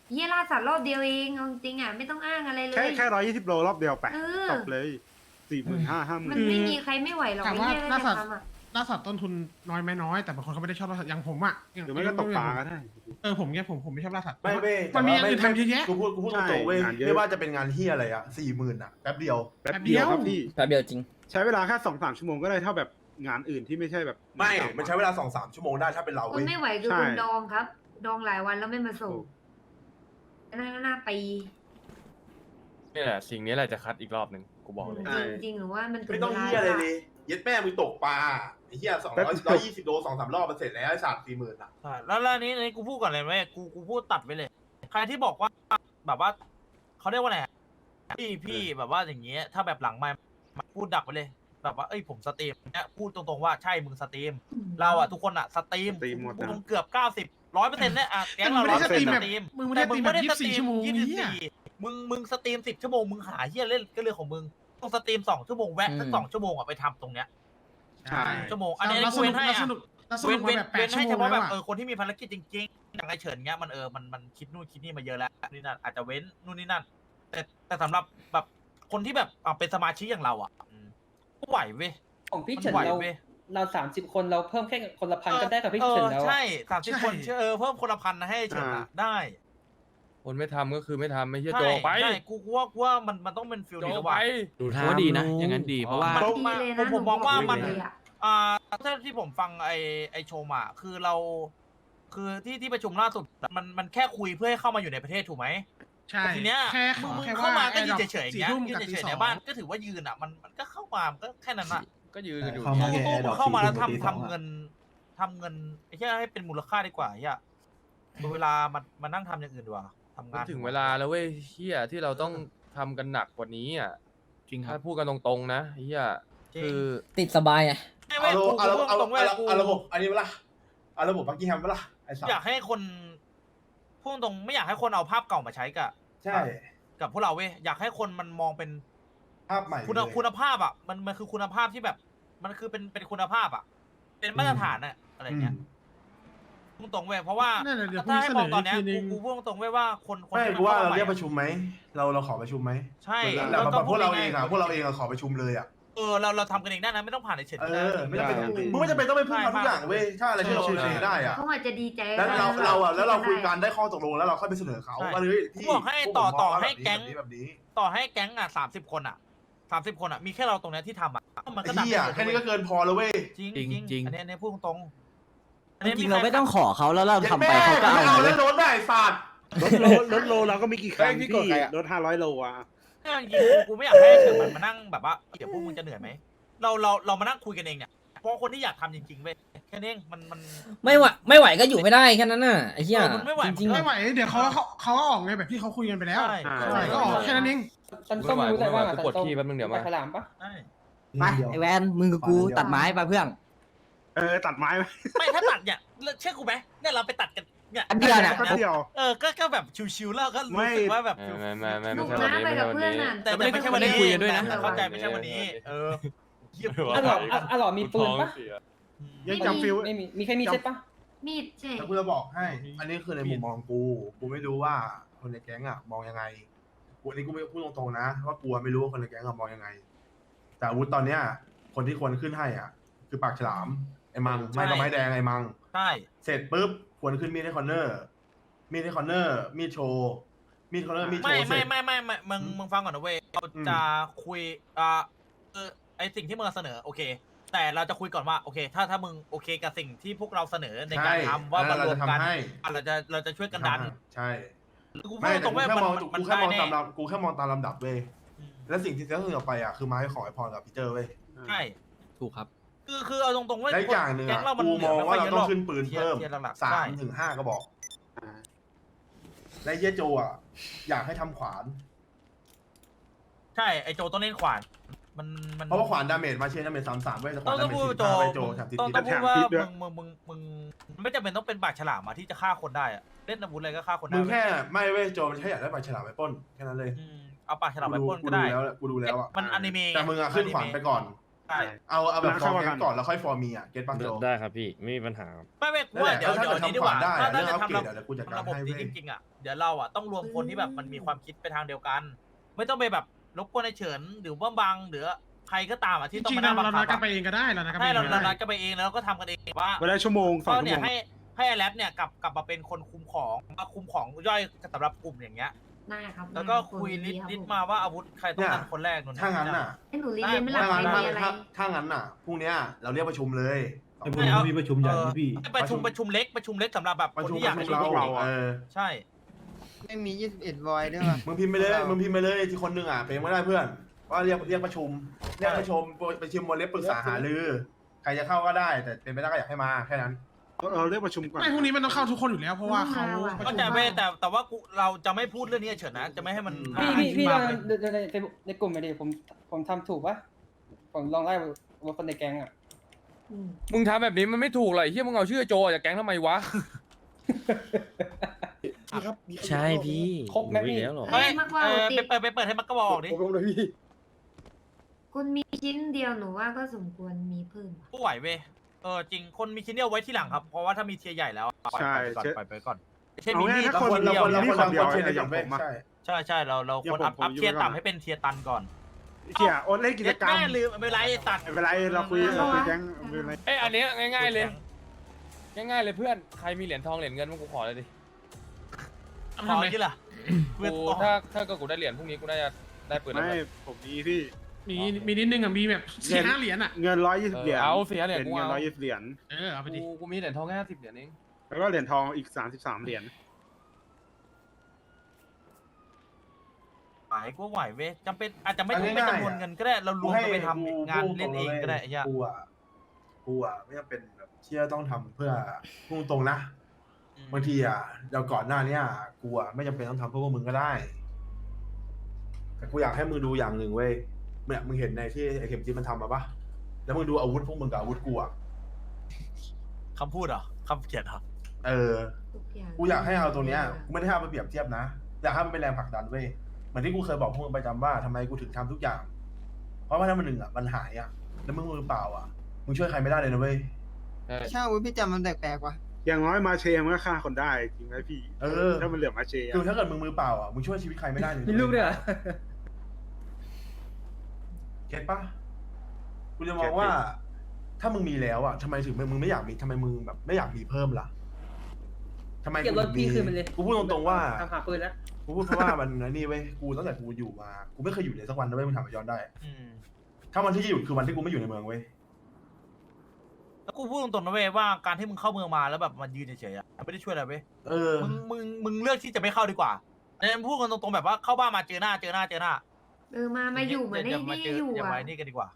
A: เฮียล่าสัตว์รอบเดียวเองเอาจริงๆอ่ะไม่ต้องอ้างอะไรเล
F: แค่
A: ย
F: แค่ร้อยยี่สิบโลรอบเดียวไป
A: เออ
F: จบเลยสี่หมื่นห้าห้าห
A: มั
F: มื่
A: น
F: น
A: ไม่มีใครไม่ไหวหรอก
D: ถาม
A: ไอ้
D: ว่า
A: เฮีย
D: ล่า
A: ถ้า
D: สัต
A: จะ
D: ว์
A: ทำอ่ะ
D: ล่าสัตว์ต้นทุนน้อยไหมน้อย แต่บางคนเขาไม่ได้ชอบล่าสัตว์อย่างผมอ่ะ
F: หรือไม่ก็ตกปลาก็ได้
D: เออผมเนี้ยผมผมไม่ชอบล่าสัตว์
H: ไม่เว้ย
D: มันมีอย่าง
H: แต่
D: อื่น
H: ว่า
D: ทำเยอะแยะ
H: กูพูดกูพูดตรงๆเว้ย
F: ใช่งานเยอะ
H: ไม่ว่าจะเป็นงานที่อะไรอะสี่หมื่นอะแป๊บเดียว
F: แป๊บเดียวครับพี่
G: แป๊บเดียวจริง
F: ใช้เวลาแค่สองสามชั่วโมงก็ได้เท่าแบบงานอื่นที่ไม่ใช่แบบ
H: ไม่ มันใช้เวลาสองสามชั่วโมงได้ถ้าเป็นเรา
A: คน
H: เว้ย
A: ไม่ไหวคือ
F: ใช่
A: คนดองครับ ดองหลายวันแล้วไม่มาส่งน่าน่าปี
I: นี่แหละสิ่งนี้แหละจะคัดอีกรอบหนึ่งกูบอกเลย
A: จริงจริงๆหรือว่ามันถึ
H: ไม่ต้อง
A: วลา
H: เฮียอะไรเลยเย็ดแม่มึงตกปลาไอ้เฮียสองร้อยร้อยยี่สิบโลสองสามรอบมันเสร็จแล้วไอ้สามสี่หมื่นอะ
C: ใช่แล้วแล้วอันนี้อันนี้กูพูดก่อนเลยเว้ยกูกูพูดตัดไว้เลย ใครที่บอกว่าแบบว่าเขาเรียกว่าไงอะพี่พี่แบบว่าอย่างเงี้ยถ้าแบบหลังไม่พูดดักไปเลย แบบว่าเอ้ยผมสตรีมเนี่ยพูดตรงๆว่าใช่มึงสตรีม เราอะทุกคนอะสตรีม
F: สตรีมหมดนะ
C: มึงเกือบเก้าสิบร้อยเปอร์เซ็นต์เนี่ยอะแก๊งเรา
D: มึงไม่
C: ร้อย
D: ได้
C: เปอร์
D: สต
C: เซ็
D: รี
C: น
D: ม
C: ต์
D: แบ
C: ส
D: บ
C: ตรีม
D: มึงไม่ได้สตรีมแบบยี่สิบสี่ชั่วโมง
C: ยี่สิบ
D: เนี่ย
C: สี่มึงมึงสตรีมสิบชั่วโมงมึงหาเฮียเล่นก็เรื่องของมึงต้องสตรีมสองชั่วโมงแวะสัก
G: อืม
C: สองชั่วโมงอะไปทำตรงเนี้ย
F: ใช่
C: ชั่วโมงอันนี้
D: เรา
C: กู
D: สนุ
C: เว้
D: ก
C: นให้
D: เรา
C: อะ
D: สนุกเราสนุ
C: เว้
D: ก
C: น
D: มา
C: เว้น
D: แบบแป
C: เว้
D: ด
C: น
D: ชั่
C: ให้
D: วโม
C: เฉ
D: ง
C: พาะ
D: แล้
C: แบ
D: ว
C: บ
D: อะ
C: เออคนที่มีภารกิจจริงๆอย่างไอเฉินเงี้ยมันเออมันมันคิดนู่นคิดนี่มาเยอะแล้วนี่นั่นอาจจะเว้นนู่นนี่นั่นแต่แต่สำหรับแบบคนที่แบบอ่ะเป็นสมาชิกอย่างเราอ่ะอืมก็ไหวเว้ย
B: ของพี่
C: มัน
B: เฉิน
C: ไหว
B: เรา
C: เว้ย
B: เราสามสิบคนเราเพิ่มแค่คนละพันก็ได้กับพี่เฉินแล้ว
C: ออ
B: อะ
C: ใช่สามสิบ
D: ใช่
C: คนเออเพิ่มคนละพันนะให้เฉินอ่ะได้
I: คนไม่ทำก็คือไม่ทำไม่เชื่อ
C: ใช่
I: โจไป
C: ใช่กูกูว่ากูว่ามันมันต้องเป็นฟิล
I: โจ
C: นี้แล้ว
I: ไป
C: ว่ะ
E: ดูท่าว่าดีนะ อย่างนั้นดีเพราะว่า
C: มัน
A: ดี
C: มา
A: เลย
C: ผ
A: นะ
C: มผมมองว่ามัน
A: หเลยอะ
C: อ่าถ้าที่ผมฟังไอไอโชว์มาคือเรา คือที่ที่ประชุมล่าสุดมันมันแค่คุยเพื่อให้เข้ามาอยู่ในประเทศถูกไหม
D: ใช่
C: แต่ทีเนี้ย
D: แค่
C: มึงมึง
D: แค่
C: เข้ามาก็ยืน
D: ว่า
C: เฉยๆอย่าง
D: สี่
C: เงี้ย
D: ทุ่ม
C: ยื
D: กับ
C: น
D: ตี
C: เฉย
D: ส
C: ๆ
D: อ
C: ใน
D: ง
C: บ้านก็ถือว่ายืนอ่ะมันมันก็เข้ามามันก็แค่นั้นอ่ะ
I: ก็ยืนกันอยู่
K: เข้ามา
C: พวก
K: แค่
C: พวก
K: ดอก
C: เข้ามาแล้ว
K: สี่ทุ่ม
C: ทำ
K: ตีสอง
C: ทำ
K: อะ
C: เงินทำเงินไอ้เหี้ยให้เป็นมูลค่าดีกว่าไอ้เหี้ยเวลามันมานั่งทำอย่างอื่นดีกว่าทำ
I: มั
C: งาน น
I: ถึงเวลาแล้วเว้ยเฮียที่เราต้องทำกันหนักกว่านี้อ่ะ
E: จริงครั
I: ถ้า
E: บ
I: พูดกันตรงๆนะเฮียคือ
G: ติดสบายไง
C: ไม่ไม่
H: เอา
C: กู
H: เอา
C: กู
H: เอา
C: ตรงๆเว้ย
H: เอา
C: กู
H: เอาระบบอันนี้เวลาเอาระบบบักกี้แฮมเวลาไอ้สัส
C: อยากให้คนพูดตรงไม่อยากให้คนเอาภาพเก่ามาใช้กับ
H: ใช่
C: กับพวกเราเว้ยอยากให้คนมันมองเป็น
H: ภาพใหม่
C: คุณ
H: เลย
C: คุณภาพอ่ะมันมันคือคุณภาพที่แบบ มันคือเป็นเป็นคุณภาพอ่ะ เป็นมาตรฐานอ่ะอะไรเงี้ยพูดตรงเว้ยเพราะว่า
D: นั่นแหละเดี๋ยว
C: ถ้าให้มอง
D: พรุ่
C: ต
D: ง
C: อน
D: นี้
C: เนี้ย
D: เสนออีกทีนึง
C: กูกูพูดตรงๆเว้ยว่าคนคน
H: ไม่
C: ที่มัน
H: กูว่า
C: ข้
H: เรา
C: ม
H: เรียก
C: ให
H: ประชุมไหมเราเราขอประชุมไหม
C: ใช่
H: แต่แบบพวกเราเอง
C: ง่
H: อ่ะ
C: ยๆ
H: พวกเราเองอ่ะขอประชุมเลยอ่ะ
C: เออเราเราทำกันเองได้นะไม่ต้องผ่านไอ้เฉด
H: เอ
C: ก็ได้
H: อไม่จำเป็น
F: ได้
H: มึงไม่จำเป็นต้องไปพึ่งเขาทุกอย่างเว้ยถ้าอะไรที่เราโอเคได้อ่ะ
A: เขาอาจจะดีใจ
H: แล้วเรา
A: ได้
H: เราอ่ะแล้วเราคุย
A: ได้
H: กันได้ข้อตกลงแล้วเราค่อยไปเสนอเขาว่าเฮ้ย
C: กู
H: พี่
C: บอกให้
H: พว
C: ต่อ
H: ผมม
C: ต่อ
H: ว่า
C: ให้
H: แบบนี้
C: แก๊ง
H: แบบนี้
C: ต่อให้แก๊งอ่ะสามสิบคนอ่ะสามสิบคนอ่ะมีแค่เราตรงเนี้ยที่ทำอ่ะมันก็
H: ไอ้
C: ดับ
H: เหี้ย
C: ได้
H: แค่นี้ก็เกินพอแล้วเว้ย
C: จริง
E: จริง
C: จริง
E: จริง
C: อันนี้อันนี้พูดตรงๆอัน
J: จ
C: นี้
J: ริงๆ
C: ใค
J: เราไม่ต้องขอเขาแล้วเราทำไปเขาก็เอา
H: เอา
J: เล
H: แล้
J: ยว
H: โดนได้ศาสตร์
F: รถโลรถโลเราก็มีกี่คัน
I: เฮ้ยพี่
F: พี่
I: กดใครอะ
F: รถห้าร้อยโลอ่ะ
C: ถ้าจริงๆกูไม่อยากให้เฉินมันมานั่งแบบว่าเดี๋ยวพวกมึงจะเหนื่อยไหมเราเราเรามานั่งคุยกันเองเนี่ยเพราะคนที่อยากทำจริงๆเว้ยแค่นี้เองมันมัน
G: ไม่ไหวไม่ไหวก็อยู่ไม่ได้แค่นั้นน่ะไอ้เหี้ย
C: เออมันไม่ไหว
G: จริง
D: ไม่ไหวเดี๋ยวเขาเขาเขาก็ออกไงแบบที่เขาคุยกันไปแล้ว
C: ใช่
F: ใช่
D: ใช่ก็ออกแค่นั้นเอง
B: สันส้มรู้แต่ว่า
I: กูปวดขี้แป๊บนึงเดี๋ยวมา
B: ฉลามปะ
C: ใช่
J: ไปไอแวนมึงกับกูตัดไม้ไปเพื่อน
F: เออตัดไม้ไหม
C: ไม่ถ้าตัดเนี่ยเชื่อกูไหมเนี่ยเราไปตัดกันเนี่ย
J: อันเดียวเนี่ย
F: ก็เดียว
C: เออก็ก็แบบชิวๆแล้วก็
F: ไม่
C: รู้สึกว่าแบบ
I: ไม่ไม่ไม่
A: ห
I: ไม่
A: นุก
I: ใช่วัน
A: นะ
I: นี้
A: ไป
I: ไม่
A: กั
I: ใช่
A: บ
I: วัน
A: เพื่อน
I: นี้
A: น่ะ
C: แต่แต่ไม่ใช่วันนี้
E: ไม่ได้คุยกันด้วยนะ
C: แต่เข้าใจไม่ใช่วันนี้ เออเยี่ยม
B: อ่ะหรออ่ะอ่ะหรอมีปืนปะ
F: ยังจำฟิล
B: ไม่มีมีใครมีเซ็ตปะ
A: มีดใช่
H: แล้วกูจะบอกให้ อันนี้คือในมุมมองกู กูไม่รู้ว่าคนในแก๊งอ่ะมองยังไง กูอันนี้กูไม่พูดตรงๆนะ ว่ากูไม่รู้ว่าคนในแก๊งอะมองยังไง แต่อาวุธตอนเนี้ย คนที่ควรขึ้นให้อ่ะ คือปากฉลาม ไอ้มัง ไม่ก็ไม้แดงไอ้มัง
C: ใช่
H: เสร็จปุ๊บควรขึ้นมีดให้คอนเนอร์ มีดให้คอนเนอร์ มีดโชว์ มีดคอนเนอร์มีดโช
C: ไม่
H: ว์เสร็
C: ไม่
H: จ
C: ไม่ไม่ไม่มึงมึงฟังก่อนนะเว้ยเราจะคุยอ่าเออไอสิ่งที่มึงเสนอโอเค แต่เราจะคุยก่อนว่าโอเค ถ้าถ้ามึงโอเคกับสิ่งที่พวกเราเสนอในการ
H: ใช่
C: ทำว่า
H: เออ
C: มารวมกัน
H: เราจะทำให้
C: อ่ะเราจะเราจะช่วยกันดัน
H: ใช่
C: กูพู
H: ไม่
C: ด
H: แต่
C: ตรง
H: กู
C: เว้ย
H: แค่
C: มัน
H: มอง
C: มัน
H: กูแค่
C: ได้
H: มอง
C: แน่
H: ตามลำกูแค่มองตามลำดับเว้ย
C: อืม
H: และสิ่งที่จะต้องออกไปอ่ะคือไม้ของไอพรกับพีเตอร์เว้ย
C: ใช่
E: ถูกครับ
C: คือคือเอาตรงๆเว้ย
H: และอีกอย่างหนึ่ง
C: แก๊
H: อ่ะ
C: งเรามัน
H: กู
C: เหลื
H: มอง
C: ไค่
H: ว่า
C: อย
H: เรา
C: ยะ
H: ต้อง
C: หรก
H: ขึ้นปืนเพิ่ม
C: ทียร์หลักๆ
H: สา
C: ใช่
H: มถึงห้ากระบอก และเยโจอ่ะ อยากให้ทำขวาน
C: ใช่ไอโจต้องเล่นขวานมันมัน
H: เพราะว่าขวานดาเมจมาเชนดาเมจสามสามเว้ยแต่ข
C: ต้
H: วา
C: อน ง
H: ดา
C: ต้อง
H: เมจ
C: พูด
H: สิบ
C: โจ
H: ห้าเว้ยโจ
C: มึง
H: แถมติด
C: ต้อง
H: ติด
C: ต้อง
H: แถ
C: พูด
H: ม
C: ว่า
F: พิษด้วย
C: มึงมึงมึงมึงไม่จำเป็นต้องเป็นปากฉลามอะที่จะฆ่าคนได้อะเล่นอาวุธอะไรก็ฆ่าคนได้
H: มึง
C: เว้ย
H: แค่ไม่เว้ยโจมันแค่อยากได้ปลาฉลามไปปล้นแค่นั้นเลย
C: อืมเอาปากฉลามไปปล้น
H: กู
C: ก็
H: ดู
C: ได้
H: แล้วกูดูแล้วอ่ะ
C: มันอนิเมะ
H: แต่มึงอ่ะขึ้นขวานไปก่อน
C: ใช่
H: เอาเอาแบบ
F: แล้ว
H: ฟอ
F: เข้า
H: ร์ม
F: มา
H: แก๊งก่อนแล้วค่อยฟอร์มีอ่ะเก็ตปังโจ
I: ได้ครับพี่ไม่มีปัญหาครับ
C: ไม่ไม่ว่าเดี๋ยว
H: ถ้า
C: เดี๋ยว
H: เกิด
C: นี้ดีกว่า
H: ทำขวานได้
C: ถ้า
H: เรื่
C: ถ้า
H: อง
C: จะ
H: อัปเกรด
C: ทำระ
H: เดี๋ยวกูจัดการ
C: ระบบ
H: ให้
C: นี้
H: เว้
C: จ
H: ย
C: ริงๆอ่ะเดี๋ยวเราอ่ะต้องรวมคนที่แบบมันมีความคิดไปทางเดียวกัน ไม่ต้องไปแบบรบกวนไอ้เฉินหรือว่าบังหรือใครก็ตามอ่ะ
D: จ
C: ที่ต้อง
D: ริง
C: มา
D: ๆ
C: นั่
D: เรา
C: งบัง
D: เรา
C: คั
D: นัด
C: บ
D: กันไปเองก็ได้เรานัดกันไป
C: ให้
D: เอง
C: เรา
D: ก็
C: เรานั
D: ได้
C: ดกันไปเองแล้วก็ทำกันเองว่า
F: เวลาชั่วโมงสอง
C: ก็
F: ชั่ว
C: เนี่
F: โม
C: ย
F: ง
C: ให้ให้ไอแรปเนี่ยกลับกลับมาเป็นคนคุมของมาคุมของย่อยสำหรับกลุ่มอย่างเงี้ย
A: ได้ครับ
C: แล้วก็
A: ได้รับ
C: คุยลิส
A: ดี
C: ต์
A: รับ
C: ลิสต์
A: ผ
C: มาว่าอาวุธใครต้องการคนแรกนู่น
H: ถ้างั้นน่ะ
A: ให้หนูรีเรียนไม่หลั
H: ถ้า
A: บ
H: งั้น
A: ใคร
H: น่ะ
A: มีอะไร
H: ถ้าถ้างั้นน่ะพรุ่งเนี้ยเราเรียกประชุมเลย
C: ไม่เอามีประชุมใหญ่พี่ประชุมประชุมเล็กประชุมเล็กสำหรับแบบ
H: ประ
C: คน
H: ชุม
C: ที่อยาก
H: ประ
C: ให้
H: ชุม
C: รู้
H: เราเออ
C: ใช่
J: ไม่มียี่สิบเอ็ดวอยด้วยป่ะ
H: มึงพิมพ์ไปเลยมึงพิมพ์ไปเลยที่คนหนึ่งอ่ะเป็นไม่ได้เพื่อนว่าเรียกเรียกประชุมเรียกประชุมประชุมวันเล็บปรึกษาหารือใครจะเข้าก็ได้แต่เป็นไปได้ก็อยากให้มาแค่นั้น
F: เราเรียกประชุมก่อน
D: ไม่พรุ่งนี้มันต้องเข้าทุกคนอยู่แล้วเพราะว่าเขาประ
C: ก็
D: ชุม
C: แต่ไม่แต่แต่ว่ากูเราจะไม่พูดเรื่องนี้เฉยนะจะไม่ให้มัน
B: พี่พี่พี่
C: มา
B: ลอง
C: เลย
B: ในในในในกลุ่มไปดิผมผมทำถูกปะผมลองไล่ว่าคนในแก๊งอ่ะ
A: อืม
I: มึงทำแบบนี้มันไม่ถูกเลยเฮียมึงเอาชื่อโจออกจากแก๊งทำไมวะ
G: ใช่พี่
B: ครบไหมพี่
I: แล้วหรอ
C: เฮ้ย
A: มากกว่า
C: เออ
A: ติ
C: ไปเปิดไปเปิดให้มักกะบอกดิ
A: คุณมีชิ้นเดียวหนูว่าก็สมควรมีเพิ่ม
C: กูไหวเว้ยเออจริงคนมีชิ้นเดียวไว้ที่หลังครับเพราะว่าถ้ามีเทียร์ใหญ่แล้วปล่อย
F: ใช่
C: ไปก่อน
F: เช่น
C: ปล่อยไปก่อนเช่น
F: เอา
C: มี
F: ง่าย
C: มีด
F: ถ้าคน
C: คน
F: เรา
C: เดียว
F: คนเรา
H: มี
F: คน
H: คน
F: เดียว
H: คนเทียร์
F: อ
H: อย่า
F: ย่าง ง
H: ผ
F: ผม ม
H: อะ
F: อะ
C: ใช่ใช่เราเรา
F: อย่า
C: คน
F: ผม
C: อัพ
F: ผม
C: อัพ
F: อยู่
C: เทียร์
F: ไว้ก่อน
C: ต่ำให้เป็นเทียร์ตันก่อน
F: เขี่ยโอนเล่นกิจกรรม
C: แม่ลืมไม่เป็นไรไอ้ตัด
F: ไม่เป็นไรเราคุยเราคุยแก๊งไม่เป็นไร
I: เอ้ยอันเนี้ยง่ายๆเลย ง่ายๆเลยเพื่อนใครมีเหรียญทองเหรียญเงินมึงกูขอเลยดิ
C: ขอที่ล่ะ
I: กูถ้าถ้าเกิดกูได้เหรียญพรุ่งนี้กูน่าจะได้ปืนแล้ว
F: ไม่
I: เพื่อน
F: ผมมีพี่
D: มีมีนิดนึงอ่ะมีแบบสี่ห้าเหรียญอ่ะ
F: เงินร้อยยี่สิบเหรียญ
I: เอาเสียเหรียญกู
F: เงิน
I: เอา
F: ร้อยยี่สิบเหรียญ
D: เออเอาไปดิ
I: กูกูมีเหรียญทองแค่ห้าสิบเหรียญเอง
F: แล้วก็เหรียญทองอีกสามสิบสามเหรียญ
C: หมายกูไหวเว้ยจำเป็นอาจจะไม่ต้องเป็นจำนวนเงินก็ได้เรารวมกันไปทำงานเล่นเองก็ได้ไอ้เหี้ย
H: กูอ่ะกูอ่ะไม่จำเป็นแบบเชื่อต้องทำเพื่อพุ่งตรงๆนะบางทีอ่ะเดี๋ยวก่อนหน้าเนี้ยกูอ่ะไม่จำเป็นต้องทำเพื่อพวกมึงก็ได้ แต่กูอยากให้มึงดูอย่างหนึ่งเว้ยเนี่ยมึงเห็นในที่ไอเข็มจีมันทำมาปะแล้วมึงดูอาวุธพวกมึงกับอาวุธกูอ่ะ
C: คำพูดเหรอคำเขียนเหรอ
H: เออ
A: ทุกอย่าง
H: กูอยากให้เอาตัวเนี้ยกูไม่ได้ให้เอาไปเปรียบเทียบนะอยากให้มันเป็นแรงผลักดันเว้ยเหมือนที่กูเคยบอกพวกมึงประจำว่าทำไมกูถึงทำทุกอย่าง เพราะว่าถ้ามันหนึ่งอ่ะมันหายอ่ะแล้วมึงมือเปล่าอ่ะมึงช่วยใครไม่ได้เลยนะเว้ย
I: ใช่
J: ใช่วุ้ยพี่จำมันแปลกๆว่ะ
F: อย่างน้อยมาเชยมันก็ฆ่าคนได้จริงไหมพี่
H: เออ
F: ถ้ามันเหลือมาเชย
H: คือถ้าเกิดมึงมือเปล่าอ่ะมึงช่วยชีวิตใครไม่ได้เลย
B: มีรูปด้วยเหรอ
H: เก็ตปะกูจะมองว่า ถ้ามึงมีแล้วอ่ะทำไมถึงมึงไม่อยากมีทำไมมึงแบบไม่อยากมีเพิ่มล่ะทำไม
B: เก็บรถพี่คืนมันเลย
H: กูพูดตรงๆว่า
B: ทำหาปืนแล้ว
H: กูพูดเพราะว่ามันนี่เว้ยกูตั้งแต่กูอยู่มากูไม่เคยอยู่เลยสักวันนะเว้ยมึงถามไปย้อนได้
C: อืม
H: ถ้าวันที่จะหยุดคือวันที่กูไม่อยู่ในเมืองเว้ย
C: แล้วกูพูดตรงๆนะเว้ยว่าการที่มึงเข้าเมืองมาแล้วแบบมันยืนเฉยๆอ่ะไม่ได้ช่วยอะไรเว้ย
H: เออ
C: มึงมึงมึงเลือกที่จะไม่เข้าดีกว่าเนี่ยพูดกันตรงๆแบบว่าเข้าบ้านมาเจอหน้าเจอหน้าเจอหน้า
A: เออมามาอยู่เหมือน
C: อย่า
A: ไอ้
C: มา
A: นี่
C: เจอ
A: อยู่
C: อย่า
A: อ่ะ
C: มานี่กันดีกว่า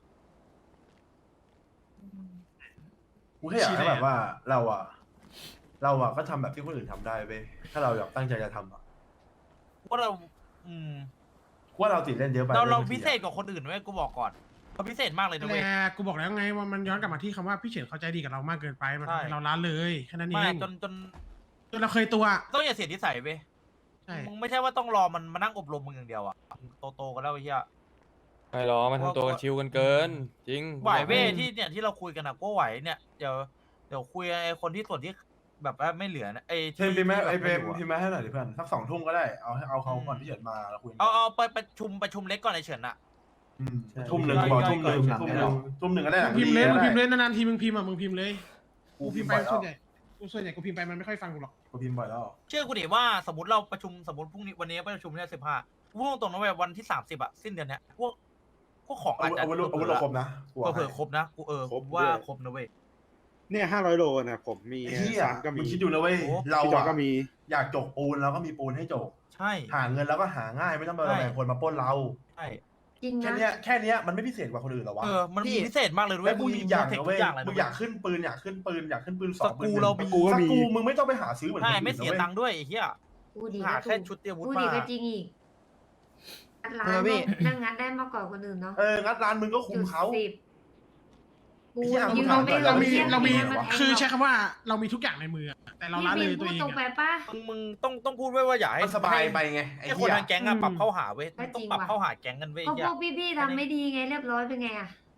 A: อืม
H: กูแค่อยากให้แบบว่าเราอ่ะ เราอ่ะก็ทำแบบที่คนอื่นทำได้เว้ยถ้าเราอยากตั้งใจจะทำอ่ะ
C: ว่าเรา อืม
H: กูว่าเราติดเล่นเยอะไป
C: เราเรา
H: บงที
C: พิ
H: อะ
C: เศษกว่าคนอื่นเว้ยกูบอกก่อนเขาพิเศษมากเลยนะเว้ย
D: แต่กูบอกแล้วไงว่ามันย้อนกลับมาที่คำว่าพี่เฉินเข้าใจดีกับเรามากเกินไปมัน
C: ใช่
D: ทำให้เราล้าเลยแค่นั้นเอ
C: ไม่
D: ง
C: จนจน
D: จนเราเคยตัว
C: ต้องอย่าเสียนิสัยเว้ย
D: ใช่
C: มึงไม่ใช่ว่าต้องรอมันมานั่งอบรมมึงอย่างเดียวอ่ะโตโตๆกันแล้วไอ้เหี้ย
I: ไม่หรอกมันทำตัวกันชิวกันเกิน จริง
C: ไหวเว้ยที่เนี่ยที่เราคุยกันอ่ะก็ไหวเนี่ยเดี๋ยวเดี๋ยวคุยไอ้คนที่ส่วนที่แบบว่าไม่เหลือนะไอ้
H: เทมพิมพ์แม่ไอเปรม
C: ที่แบบ
H: พิมพ์แม่ให้หน่อยดิเพื่อนสักสองทุ่มก็ได้เอาให้เอาเขาก่อนที่เฉินมาแล้วคุย
C: เอาเอาไปประชุมประชุมเล็กก่อนไอ้เฉินอ่ะ
H: อืมทุ่มหนึ่งกูบอกทุ่มหนึ่งทุ่มหนึ่งทุ่มหนึ่งก็ได้ห
D: มึ
H: ลั
D: ง
H: ง
D: พิมพ์เลยมึง
H: ก็
D: พิมพ์เล
H: ได้
D: ยนานๆทีมึงพิมพ์อ่ะมึงพิมพ์เลย
H: กู
D: กู
H: พิ
D: พิ
H: ม
D: ม
H: พ์
D: พ์
H: บ่
D: ไป
H: อยแล้ว
D: ส่วนใหญ่กูส่วนใหญ่กูพิมพ์ไปมันไม่ค่อยฟังกูหรอก
H: กูพิมพ์บ่อยแล้ว
C: เชื่อกูดิว่าสมมติเราประชุมสมมติพรุ่งนี้วันนี้ประชุมเนี่ยสิบห้าพูดตรงๆนะเว้ยวันที่สามสิบอะสิ้นเดือนเนี้ยพวกพวกของอา
H: อา
C: จ
H: วุธ
C: จะ
H: อาวุธอาวุธเราครบนะกู
C: เผื่อๆครบนะกูเออ
F: ครบ
C: ว่า
F: ด้วย
C: ครบนะเว้ย
F: เนี่ยห้าร้อยโลนะผมมี
H: ไอ้ที่
F: สา
H: อ่ะ
F: มก็
H: มึ
F: มี
H: งคิดดูนะเว้ย
C: โอ้
H: เรา
F: พี่จอ
H: อ่ะ
F: ก็มี
H: อยากจกปูนเราก็มีปูนให้จก
C: ใช่
H: หาเงินเราก็หาง่ายไม่ต้องไประแวงคนมาปล้นเรา
C: ใช่
A: จริง
H: แค่
A: นะ
H: เนี้ยแค่เนี้ยมันไม่พิเศษกว่าคนอื่นหรอวะ
C: เออมันมีพิเศษมากเลยด้ว
H: แล้
C: ยว
H: กู
C: มี
H: อีกอย่าง
C: เทค
H: นะ
C: ทุ
H: เว้
C: ก
H: ย
C: อย่างเลย
H: มึงอยากขึ้นปืนอยากขึ้นปืนอยากขึ้นปืนส
C: ส
H: องปืน
C: กู
H: หนึ่ง
C: เรามี
H: สกูมึงไม่ต้องไปหาซื้อเหมือน
C: ใช่
H: คนอื่น
C: ไม่เสีย
H: นะว้
C: ตังค์ด้วยไอ้เหี้ย
A: พูดดี
C: หา
A: ก็
C: แค่
A: ถูก
C: ชุดเตรียมอาวุธ
A: พูดดี
C: มา
A: ก็จริงอีกร้าน
J: เออพี่
A: นั่งงัดได้มากกว่าคนอื่นเนาะ
H: เอองัดร้านมึงก็คุมเขา
A: จุดสิบปู
H: ไอ้เหี้ย
A: ยืน
H: มึง
A: ไม่
H: ถาม
A: ล
H: ก่อน
A: ง
H: เรามี
A: เที่ยง
D: เรามี
A: ให้นแทง
D: คือ
A: หรก
D: ใช้คำว่าเรามีทุกอย่างในมือแต่เราล้าเลย
A: พี่
D: ตัว
A: พูด
D: เอง
A: ตรงไป
D: อะ
A: ป่ะ
C: มึงมึงต้องต้องพูดไว้ว่าอย่าให้
H: มันสบายไปไงไอ้
C: ให้ค
H: เหี้
C: น
H: ย
C: ทางแก๊งอะปรับเข้าหาเว้ย
A: ก็
C: ต้อ
A: จ
C: ง
A: ริง
C: ปรับ
A: ว่ะ
C: เข้าหาแก๊งกันเว้ย
A: ก็
C: ไอ้เหี้
A: พ
C: ย
A: วกพี่ๆทำไม่ดีไงเรียบร้อยเป็นไงอ่ะ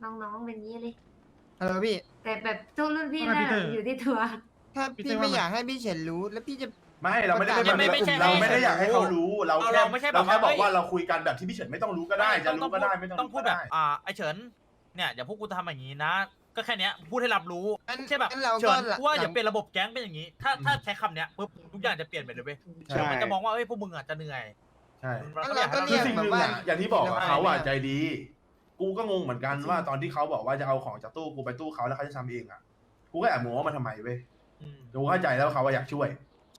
A: น้องๆเป็นงี้เลย
K: เออพี่
A: แต่แบบทุกรุ่นพี่
D: ว่าไง
A: น่ะ
D: พีเตอร์
A: อยู่ที่ตัว
K: ถ้า
D: พี่
K: พี่
D: เต้ว่า
K: ไม่
D: ไง
K: อยากให้พี่เฉินรู้ แล้วพี่จะ
H: ไม่เราไม่ได้
K: ประกาศ
H: ไม่
C: ไม่ใช่
H: เราไม่ได้อยากให้เขารู้ เรา
C: เรา
H: แค่
C: เราไม่ใช่แบบ
H: เราแค่บอก
C: ว่า
H: ว่าเราคุยกันแบบที่พี่เฉินไม่ต้องรู้ก็ได้ จะรู้ก็ได้ไม่ต้อง
C: ต้อง
H: รู้
C: พู
H: ก็
C: ดแบบ
H: ได้
C: อ่าไอเฉินเนี่ยอย่าพวกกูทำอย่างนี้นะ ก็แค่เนี้ยพูดให้รับรู้
K: งั้น
C: ใช่แบบ
K: งั้นเรา
C: เฉิ
K: ก็
C: น
K: หลัง
C: ว่าอย่าเปลี่ยนระบบแก๊งเป็นอย่างนี้ ถ้าถ้าใช้คำเนี้ยปุ๊บทุกอย่างจะเปลี่ยนไปเลยเว้ย
H: ใช่
C: เดี๋ยวมันจะมองว่าเอ้ยพวกมึงอ่ะจะเหนื่อย
H: ใช่
C: มัน
K: งั้น
C: ก็อ
K: เรา
C: ยากให้เรา
K: ก็เรียก
H: คือสิ่งห
K: แบบ
H: นึ่ง
K: ว่า
H: อะอย่างที่บอกอะ
K: ไม่
H: เขาอะ
K: ไม่
H: ใจดี กูก็งงเหมือนกันว่าตอนที่เขาบอกว่าจะเอาของจากตู้กูไปตู้เขาแล้วเขาจะทำเองอะกูก็แอบงงว่ามาทำไมเว้ย
C: อืม
H: กูเข้าใจแล้วว่าเขาอะอยากช่วย
C: ใช่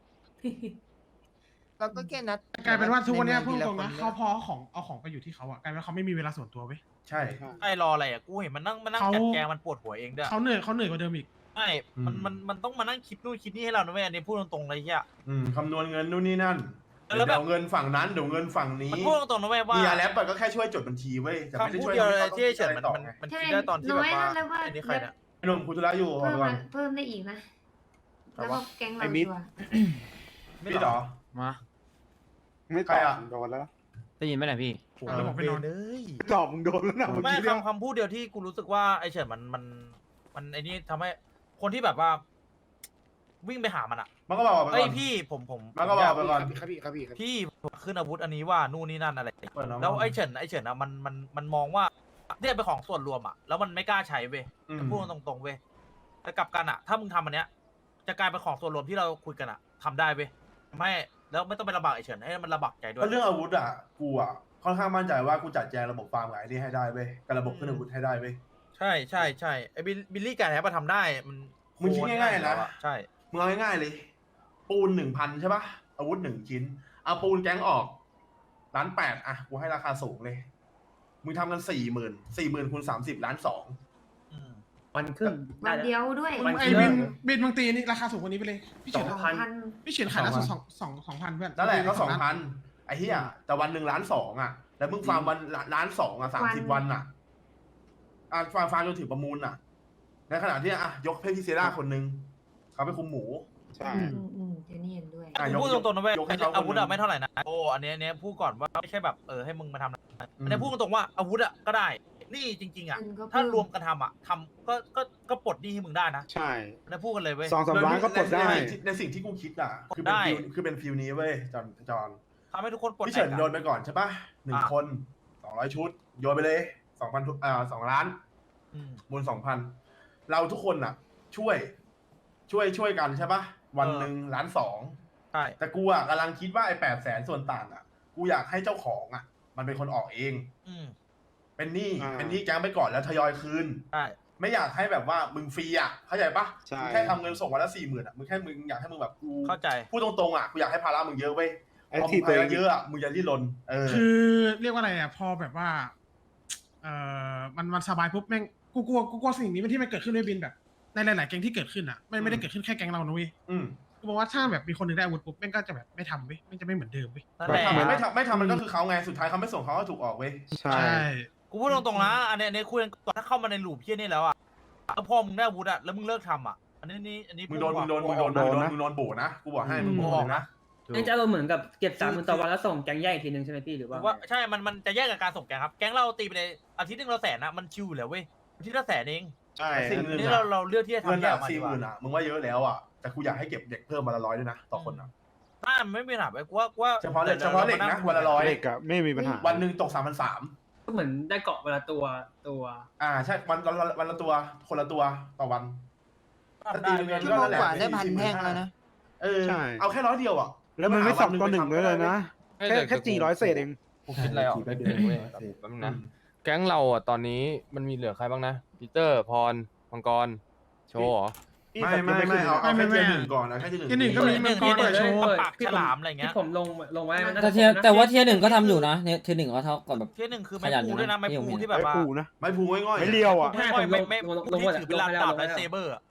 K: เราก็แค่นัด
D: กลายเป็นว่าทุกวันเนี้ย
K: ใ
D: พูดตรงๆนะ
K: ทีล
D: เขาพอเอาของเอาของไปอยู่ที่เขาอะกลายเป็นว่าเขาไม่มีเวลาส่วนตัวเว้ย
H: ใช่
C: ไอ้รออะไรอ่ะกูเห็นมันนั่งมันนั่ง
D: เขา
C: จัดแกงมันปวดหัวเองด้วย
D: เขาเหนื่อยเขาเหนื่อยกว่าเดิมอีก
C: ใช่มันมันมันต้องมานั่งคิดนู่นคิดนี่ให้เรานะเว้ยอันนี้พูดตรงๆเลยเฮีย
H: อืมคำนวณเงินนู่นนี่นั่น
C: แล้วแบบ
H: เดี๋ยวเงินฝั่งนั้นเดี๋ยวเงินฝั่งนี้
C: มันพูดตรงๆนะเว้ยว่า
H: เฮียแรปอะก็แค่ช่วยจดบัญชีเว้ยแต่ไม่ได้
C: คำพูด
H: ช่วย
C: เดียวเลย
H: ให้ขา
C: ที่ไอ้เฉิน
H: ต้
C: มั
H: อน งคิดอะไรต่อ
C: มัน
H: ไง
C: มัน
A: ใช่
C: คิดได้ตอนที่
A: น้
C: แบ
A: อย
C: บว่า
A: นะแล้วว่า
C: อันนี้ใครเนี่ย
H: ไอ้หนุ่มคุธุระอยู่
A: เพิ่ม
H: ก่อ
A: มาน เพิ่มได้อีกนะ แล้วก็แก๊งเรา
F: ไอ้มิด
A: ชัวร์
H: พี่ต่อ
J: มา
F: ไม่
H: ใค
F: ต
H: ร
F: อบ
H: อะ
F: โดนแล้ว
J: ได้ยินไหมเนี่ยพี่
D: อ่ะแล้วผมไปนอน
C: เลย
F: ตอบมึงโดนแล้วนะเมื่อ
C: ไม่
F: กี้เนี่ย
C: คำคำพูดเดียวที่กูรู้สึกว่าไอ้เฉินมันมันมันไอ้นี่ทำให้คนที่แบบว่า วิ่งไปหามันอ่ะ
H: มันก็บอกไป
C: เอ้
H: ก่
C: ย
H: อน
C: พี่ผมผม
H: มันก็บอกไปก่อน
F: ครับพี่ครับพี่ครับพี่
C: พี่ผมขึ้นอาวุธอันนี้ว่านู่นนี่นั่นอะไร
H: เปิดน้ำ
C: แล้วไอ้เฉินไอ้เฉินอ่ะมันมันมันมองว่าเนี่ยเป็นของส่วนรวมอ่ะแล้วมันไม่กล้าใช้เว้ย
H: อืม
C: พูดตรงๆเว้ยแต่กลับกันอ่ะ ถ้ามึงทำอันเนี้ย จะกลายเป็นของส่วนรวมที่เราคุยกันอ่ะทำได้เว้ยไม่แล้วไม่ต้องไปลำบากไอ้เฉินให้มันลำบากใจด้ว
H: เพ
C: ย
H: ราะเรื่องอาวุธอ่ะกูอ่ะค่อนข้างมั่นใจว่ากูจัดแจงระบบฟาร์มกับไอ้นี่ให้ได้เว้ยกับระบบขึ้นอาวุธให้ได้เว้ย
C: ใช่ใช่ใช่ไอ้บิลบิลลี่การแฮปมาทำได้มัน
H: มึงคิดง่ายๆนะ
C: ใช่
H: มึงเอาง่ายๆเลย ปูนหนึ่งพันใช่ปะอาวุธหนึ่งชิ้น เอาปูนแก๊งออกล้านแปดอ่ะกูให้ราคาสูงเลย มึงทำกันสี่หมื่นสี่หมื่นคูณสามสิบล้านสอง
C: อืม
B: วันครึ่ง
A: วั
B: ได้
A: น
B: แล้ว
A: เดียวด้วย
B: มัน
D: ไอ้บินบินบางตีนี่ราคาสูงกว่านี้ไปเลย พี่
B: ส
D: เฉิ
B: อน ง
A: สอง
B: พัน
A: พัน
D: พี่เฉินขายล่าสุดสองสองสองพันเพื่อน
H: นั่นแหละก็สอง
D: ล้า
H: พันไอ้เหี้ยแต่วันหนึ่งล้านสองอ่ะ แล้วมึงฟาร์มวันล้านสองอ่ะสามสิบวันอ่ะอ่ะฟาร์มฟาร์มจนถึงประมูลอ่ะ ในขณะที่อ่ะยกเพพิเซราคนหนึงเขาไปคุมหมู
F: ใช่
A: อืมอืมเจนี่เห็นด้วย
H: อ่ะ
C: กู
H: ยก
C: พูดตรงๆนะเว้ย
H: ยกให้เขา
C: อาวุธ
H: คนหนึ่
C: อะ
H: ง
C: ไม่เท่าไหร่นะโอ้อันเนี้ยอันเนี้ยพูดก่อนว่าไม่ใช่แบบเออให้มึงมาทำนะ
H: อืม
C: อันเนี้ยพูดตรงๆว่าอาวุธอะก็ได้ นี่จริง ๆอะ
A: เงินก็
C: ถ้า
A: เพิ่ม
C: รวมกันทำอะทำก็ก็ก็ปลดหนี้ให้มึงได้นะ
F: ใช่
C: อันนี้พูดกันเลยเว้ย
F: สองสามล้านก็ปลดได้
H: ในสิ่งที่ในสิ่งที่กูคิดอ่ะ คือเป็น
C: ได้
H: ฟิลคือเป็นฟิลนี้เว้ยจอนจอน
C: ทำให้ทุกคนปลด
H: พี่เฉิน
C: แอกอะ
H: โยนไปก่อนใช่ปะหนึ่ง
C: อ่ะ
H: คนสองร้อยชุด โยนไปเลยสองพันอ่าสองล้าน
C: อืม
H: มูลสองพันเราทุกคนอ่ะ ช่วย ช่วยช่วยกันใช่ปะวันหนึ่งล้านสอง
C: ใช่
H: แต่กูอ่ะกำลังคิดว่าไอ้แปดแสนส่วนต่างอ่ะ กูอยากให้เจ้าของอ่ะ มันเป็นคนออกเอง
C: อืม
H: เป็นหนี้
F: อ่า
H: เป็นหนี้แก๊งไปก่อนแล้วทยอยคืน
C: ใช่
H: ไม่อยากให้แบบว่ามึงฟรีอ่ะเข้าใจปะ
F: ใช่
H: มึงแค่ทำเงินส่งวันละสี่หมื่นอ่ะมึงแค่มึงอยากให้มึงแบบกู
C: เข้าใจ
H: พูดตรงๆอ่ะกูอยากให้ภาระมึงเยอะเว้ย
F: ไอ้
H: พอมึ
F: ที่
H: ง
F: ตัว
H: ภา
F: เอ
H: ระ
F: ง
H: เยอะอ่ะมึงอย่าดิ้นรนเออ
D: คือเรียกว่าอะไรอ่ะพอแบบว่า เอ่อมันมันสบายปุ๊บแม่งกูกลัวกูกลัวสิ่งนี้มันที่มันเกิดขึ้นด้วยบินแบบ ในหลาย ๆ แก๊งที่เกิดขึ้นอ่ะไม่ไม่ได้เกิดขึ้นแค่แก๊งเรานะเว้ย
H: อืม
D: กูบอกว่าถ้าแบบมีคนหนึ่งได้อาวุธปุ๊บแม่งก็จะแบบไม่ทำเว้ยแม่งจะไม่เหมือนเดิมเว้ย
C: นั่น
F: ไม่
C: แหละ
F: ทำ
H: ไม่ทำไม่ทำมันก็คือเขาไงสุดท้ายเขาไม่ส่งเขาก็ถูกออกเว้ย
F: ใช่
C: กูพูดตรงๆนะอันเนี้ยอันเนี้ยคุยกันก่อนถ้าเข้ามาในหลูปเพี้ยนี่แล้วอะแล้วพอมึงได้อาวุธอะแล้วมึงเลิกทำอะอันนี้นี่อันนี้
H: มึงโดนมึงโดนมึงโดนมึงโดนมึงโดนโบนะกูบอกให้มึงโดนเลยนะ
B: นี่จะเราเหมือนกับเก็บสามหมื่นต่อวันแล้วส่งแก๊งแยกอีกทีนึงใช่ไหมพี่หรือ
C: ผ
B: ว่า
C: มว่าใช่ มัน มันจะแยกกับการส่งแกงครับ แก๊งเราตีไปเลยอาทิตย์หนึงเราแสนนะมันชิวอยู่แล้วเว้ยอาทิตย์ละแสนเอง
F: ใช่
H: สิ่งห
C: อั
H: นึ่
C: น
H: ง
C: นี้
H: อะ
C: เราเราเลือกที่จะ
H: เงิน
C: ทำแยก
H: อะ
C: ออกมา
H: สี่
C: ดี
H: ห
C: กว่า
H: มื่นอ่ะมึงว่าเยอะแล้วอ่ะแต่กูอยากให้เก็บเด็กเพิ่มวันละร้อยด้วยนะต่อคนอ่ะ
C: ถ้ามันไม่มีปัญหาไปกูว่ากูว่า
H: เฉพาะเหล็กเฉพาะเหล็กนะวันละร้อย
F: เด็กอะไม่มีปัญหา
H: วันหนึ่งตกสามพันสาม
B: ก็เหมือนได้เกาะเวลาตัวตัว
H: อ่าใช่วันวันวันละตัวคนละตัวต่อวัน ถ้าตีเป็นเงิน
K: ชั่วโมงกว่าได้พันแท่งแล้วนะ
H: เออ
F: ใช่
H: เอาแค่ร้อยเดียวอ่ะ
F: แล้วมันไม่สองต่อหนึ่งเลยเลยนะ
I: ให้
F: แค่
I: เด็ก
F: แค่สี่ร้อยเศษเอง
I: กูคิดอะไรออกได้เดียวเว้ยแป๊บนึงนะ แก๊งเราอ่ะตอนนี้มันมีเหลือใครบ้างนะปีเตอร์พรมังกรโชว์เหรอ
H: ไม่ไม่ไม่เอาเอาแค่เทียร์หนึ่งก่อนนะแค่เทียร์หนึ่ง
D: เทียร์หนึ่งก็มี
C: หนึ่ง
D: มังกร
C: ที่หนึ่ง
D: เปิดโชว์
C: ปากฉลามอะไรเงี้ย
B: ที่ผมลงลงไว้มันน่า
J: แต่
B: จะ
J: เทีย
B: ครบนะ
J: แต่ว่าเทียร์หนึ่งก็ทำอยู่นะเนี่ยเทียร์หนึ่งก็เท่ากับแบบ
C: เที่ยหนึ่งคือ
J: ข
C: ไม้
J: ยันอยู่
C: ปูด้วยนะ
J: นะ
C: ไม้
J: ที่ผม
C: ปู
J: เห็น
C: ที่แบบว่า
F: ไม้ปูนะ
H: ไม่พูง่อยๆ
F: ไม่เลี้ยวอ่ะ
H: ะ
B: ใช่
C: ไม่
B: ผมล
C: ไม่
B: ง
C: ไม่
B: ลงลง
C: ที่
B: หมด
C: ถือเป็นลาดดาบและเซเบอร์อะ